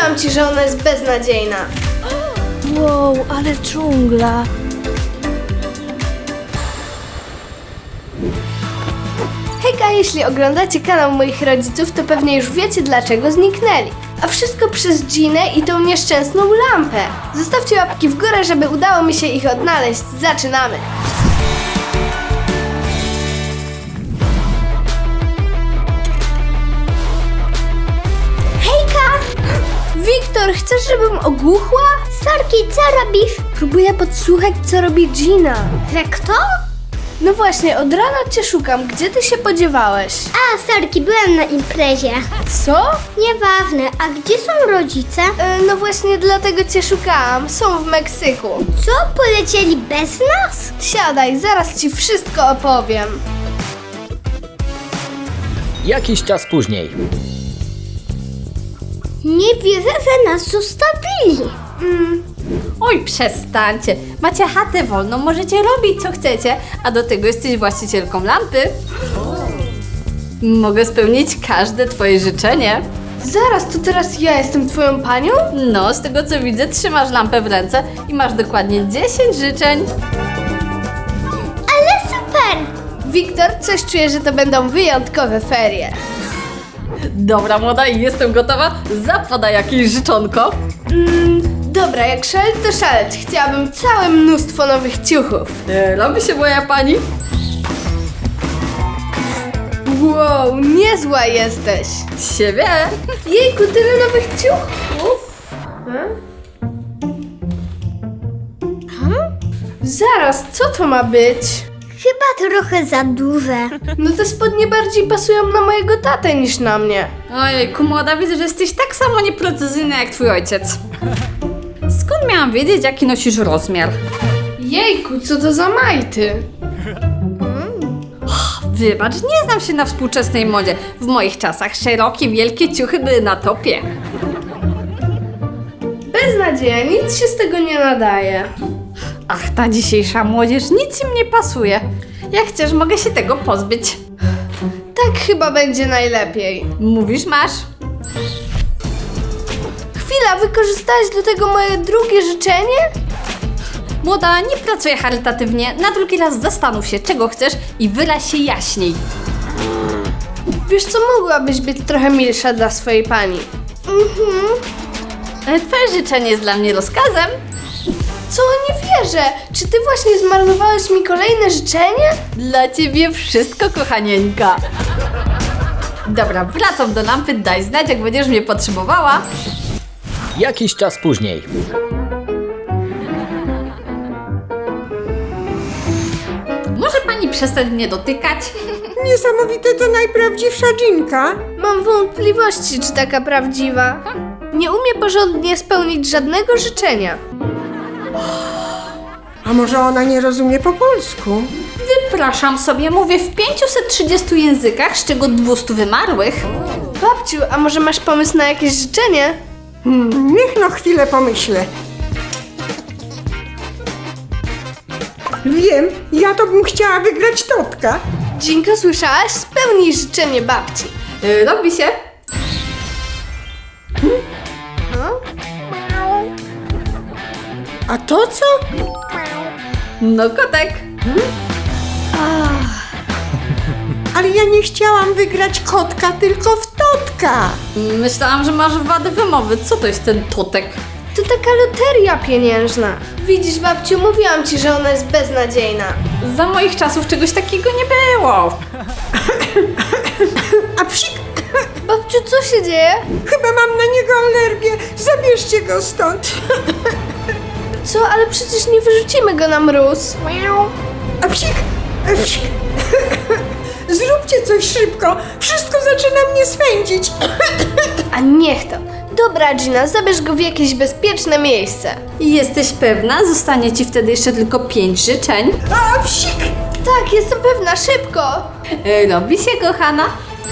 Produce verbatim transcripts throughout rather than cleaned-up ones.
Mówiłam ci, że ona jest beznadziejna. Wow, ale dżungla. Hejka, jeśli oglądacie kanał moich rodziców, to pewnie już wiecie, dlaczego zniknęli. A wszystko przez Ginę i tą nieszczęsną lampę. Zostawcie łapki w górę, żeby udało mi się ich odnaleźć. Zaczynamy! Hejka! Wiktor, chcesz, żebym ogłuchła? Sorki, co robisz? Próbuję podsłuchać, co robi Gina. Że kto? No właśnie, od rana cię szukam. Gdzie ty się podziewałeś? A, sorki, byłem na imprezie. Co? Nieważne, a gdzie są rodzice? E, no właśnie, dlatego cię szukałam. Są w Meksyku. Co, polecieli bez nas? Siadaj, zaraz ci wszystko opowiem. Jakiś czas później. Nie wierzę, że nas zostawili. Oj, przestańcie. Macie chatę wolną, możecie robić co chcecie, a do tego jesteś właścicielką lampy. Mogę spełnić każde twoje życzenie. Zaraz, to teraz ja jestem twoją panią? No, z tego co widzę, trzymasz lampę w ręce i masz dokładnie dziesięć życzeń. Ale super! Wiktor, coś czuję, że to będą wyjątkowe ferie. Dobra, młoda, i jestem gotowa. Zapada jakieś życzonko. Mm, dobra, jak szaleć to szaleć. Chciałabym całe mnóstwo nowych ciuchów. E, robi się moja pani. Wow, niezła jesteś. Siebie. Jejku, tyle nowych ciuchów. Hmm? Hmm? Zaraz, co to ma być? Chyba trochę za duże. No te spodnie bardziej pasują na mojego tatę niż na mnie. Ojejku, młoda, widzę, że jesteś tak samo nieprecyzyjna jak twój ojciec. Skąd miałam wiedzieć, jaki nosisz rozmiar? Jejku, co to za majty? Wybacz, nie znam się na współczesnej modzie. W moich czasach szerokie, wielkie ciuchy były na topie. Beznadzieja, nic się z tego nie nadaje. Ach, ta dzisiejsza młodzież, nic im nie pasuje. Jak chcesz, mogę się tego pozbyć. Tak chyba będzie najlepiej. Mówisz, masz? Chwila, wykorzystałaś do tego moje drugie życzenie? Młoda, nie pracuję charytatywnie. Na drugi raz zastanów się, czego chcesz i wyraź się jaśniej. Wiesz co, mogłabyś być trochę milsza dla swojej pani. Mhm. E, Twoje życzenie jest dla mnie rozkazem. Co? Nie wierzę! Czy ty właśnie zmarnowałeś mi kolejne życzenie? Dla ciebie wszystko, kochanieńka. Dobra, wracam do lampy, daj znać, jak będziesz mnie potrzebowała. Jakiś czas później. Może pani przestać mnie dotykać? Niesamowite, to najprawdziwsza Ginka. Mam wątpliwości, czy taka prawdziwa. Nie umie porządnie spełnić żadnego życzenia. A może ona nie rozumie po polsku? Wypraszam sobie, mówię w pięciuset trzydziestu językach, z czego dwieście wymarłych. Babciu, a może masz pomysł na jakieś życzenie? Hmm, niech no chwilę pomyślę. Wiem, ja to bym chciała wygrać totka. Dzinko, słyszałaś? Spełnij życzenie babci. Yy, robi się. A to co? No, kotek. Ale ja nie chciałam wygrać kotka, tylko w totka. Myślałam, że masz wadę wymowy. Co to jest ten totek? To taka loteria pieniężna. Widzisz, babciu, mówiłam ci, że ona jest beznadziejna. Za moich czasów czegoś takiego nie było. A psik, Babciu, co się dzieje? chyba mam na niego alergię. Zabierzcie go stąd. Co? Ale przecież nie wyrzucimy go na mróz. A psik, a psik. Zróbcie coś szybko. Wszystko zaczyna mnie swędzić. A niech to. Dobra, Gina, zabierz go w jakieś bezpieczne miejsce. Jesteś pewna? Zostanie ci wtedy jeszcze tylko pięć życzeń. A psik. Tak, jestem pewna, szybko. Yy, robi się, kochana.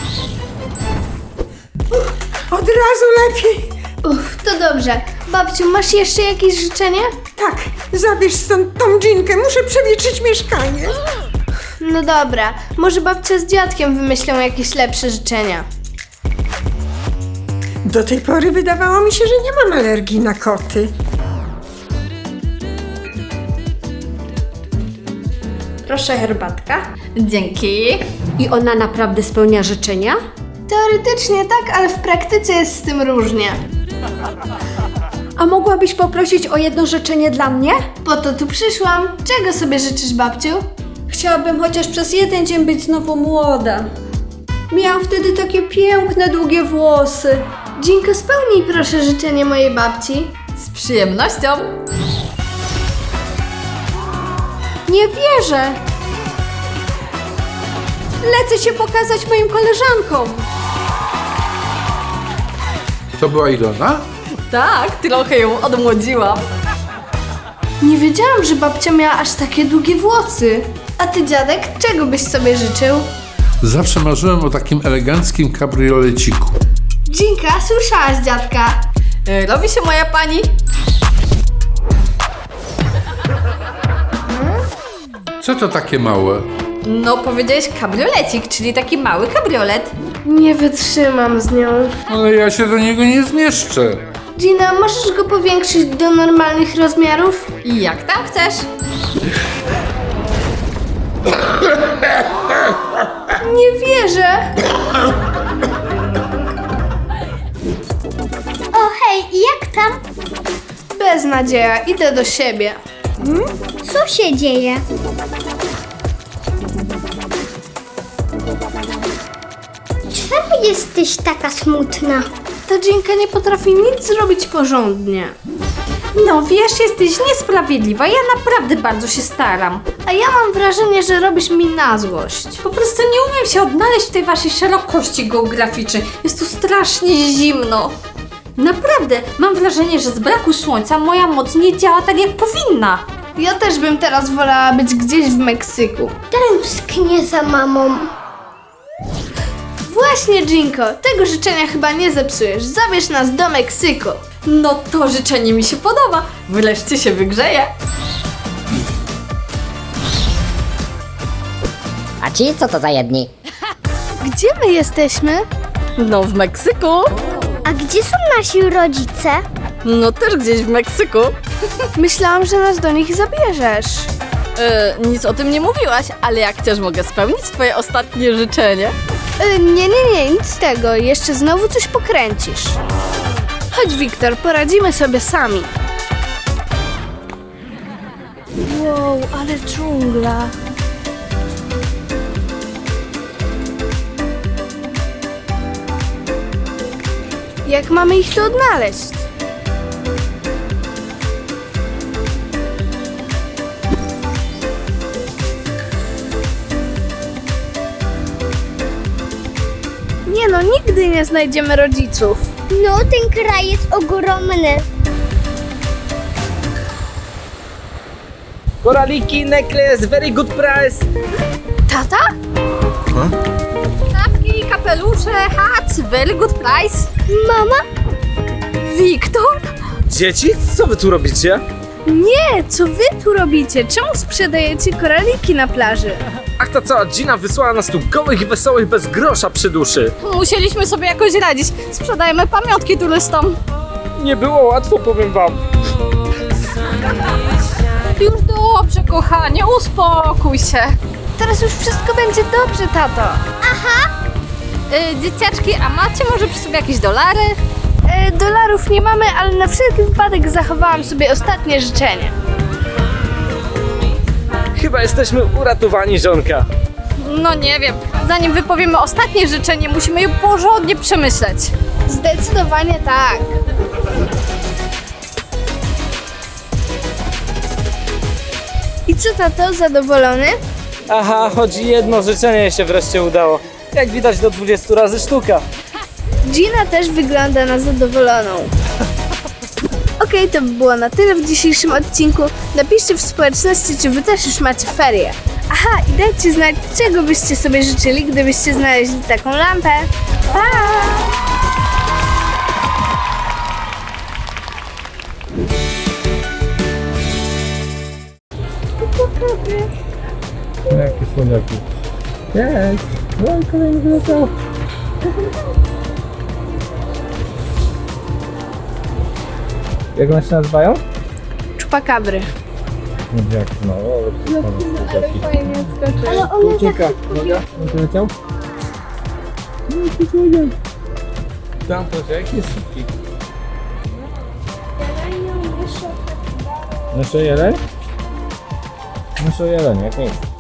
Od razu lepiej. Uff, to dobrze. Babciu, masz jeszcze jakieś życzenie? Tak, zabierz stąd tą Ginkę. Muszę przewietrzyć mieszkanie. No dobra, może babcia z dziadkiem wymyślą jakieś lepsze życzenia. Do tej pory wydawało mi się, że nie mam alergii na koty. Proszę herbatka. Dzięki. I ona naprawdę spełnia życzenia? Teoretycznie tak, ale w praktyce jest z tym różnie. A mogłabyś poprosić o jedno życzenie dla mnie? Po to tu przyszłam. Czego sobie życzysz, babciu? Chciałabym chociaż przez jeden dzień być znowu młoda. Miałam wtedy takie piękne, długie włosy. Ginko, spełnij proszę życzenie mojej babci. Z przyjemnością. Nie wierzę! Lecę się pokazać moim koleżankom. To była Ilona? Tak, trochę ją odmłodziłam. Nie wiedziałam, że babcia miała aż takie długie włosy. A ty, dziadek, czego byś sobie życzył? Zawsze marzyłem o takim eleganckim kabrioleciku. Ginka, słyszałaś dziadka? E, Robi się moja pani. Co to takie małe? No, powiedziałeś kabriolecik, czyli taki mały kabriolet. Nie wytrzymam z nią. Ale ja się do niego nie zmieszczę. Gina, możesz go powiększyć do normalnych rozmiarów? I jak tam chcesz? Nie wierzę! O hej, jak tam? Beznadzieja, idę do siebie. Co się dzieje? Czemu jesteś taka smutna? Ta Ginka nie potrafi nic zrobić porządnie. No wiesz, jesteś niesprawiedliwa, ja naprawdę bardzo się staram. A ja mam wrażenie, że robisz mi na złość. Po prostu nie umiem się odnaleźć w tej waszej szerokości geograficznej. Jest tu strasznie zimno. Naprawdę, mam wrażenie, że z braku słońca moja moc nie działa tak jak powinna. Ja też bym teraz wolała być gdzieś w Meksyku. Tęsknię za mamą. Właśnie, Ginko, tego życzenia chyba nie zepsujesz. Zabierz nas do Meksyku. No to życzenie mi się podoba. Wreszcie się wygrzeje. A ci co to za jedni? Gdzie my jesteśmy? No w Meksyku. A gdzie są nasi rodzice? No też gdzieś w Meksyku. Myślałam, że nas do nich zabierzesz. E, nic o tym nie mówiłaś, ale jak chcesz, mogę spełnić twoje ostatnie życzenie. Y, nie, nie, nie, nic z tego. Jeszcze znowu coś pokręcisz. Chodź, Wiktor, poradzimy sobie sami. Wow, ale dżungla. Jak mamy ich tu odnaleźć? Nie no, nigdy nie znajdziemy rodziców. No, ten kraj jest ogromny. Koraliki, necklace, very good price. Tata? Czapki, kapelusze, hats, very good price. Mama? Wiktor? Dzieci, co wy tu robicie? Nie, co wy tu robicie? Czemu sprzedajecie koraliki na plaży? Ach, ta cała Gina wysłała nas tu gołych i wesołych bez grosza przy duszy. Musieliśmy sobie jakoś radzić. Sprzedajemy pamiątki turystom. Nie było łatwo, powiem wam. Już dobrze, kochanie, uspokój się. Teraz już wszystko będzie dobrze, tato. Y, dzieciaczki, a macie może przy sobie jakieś dolary? E, dolarów nie mamy, ale na wszelki wypadek zachowałam sobie ostatnie życzenie. Chyba jesteśmy uratowani, żonka. No nie wiem. Zanim wypowiemy ostatnie życzenie, musimy je porządnie przemyśleć. Zdecydowanie tak. I co, tato, zadowolony? Aha, choć jedno życzenie się wreszcie udało. Jak widać, do dwudziestu razy sztuka. Gina też wygląda na zadowoloną. Okej, to by było na tyle w dzisiejszym odcinku. Napiszcie w społeczności, czy wy też już macie ferie. Aha, i dajcie znać, czego byście sobie życzyli, gdybyście znaleźli taką lampę. Pa! Jakie słoniaki. Jest. No i kolejny wyleciał. Jak one się nazywają? Czupakabry. Jak no, Ale one tak... Ucieka. Uwaga, on tu leciał? Tam to jaki jest szybki. Myszo jeleń? Myszo jeleń, jak nic.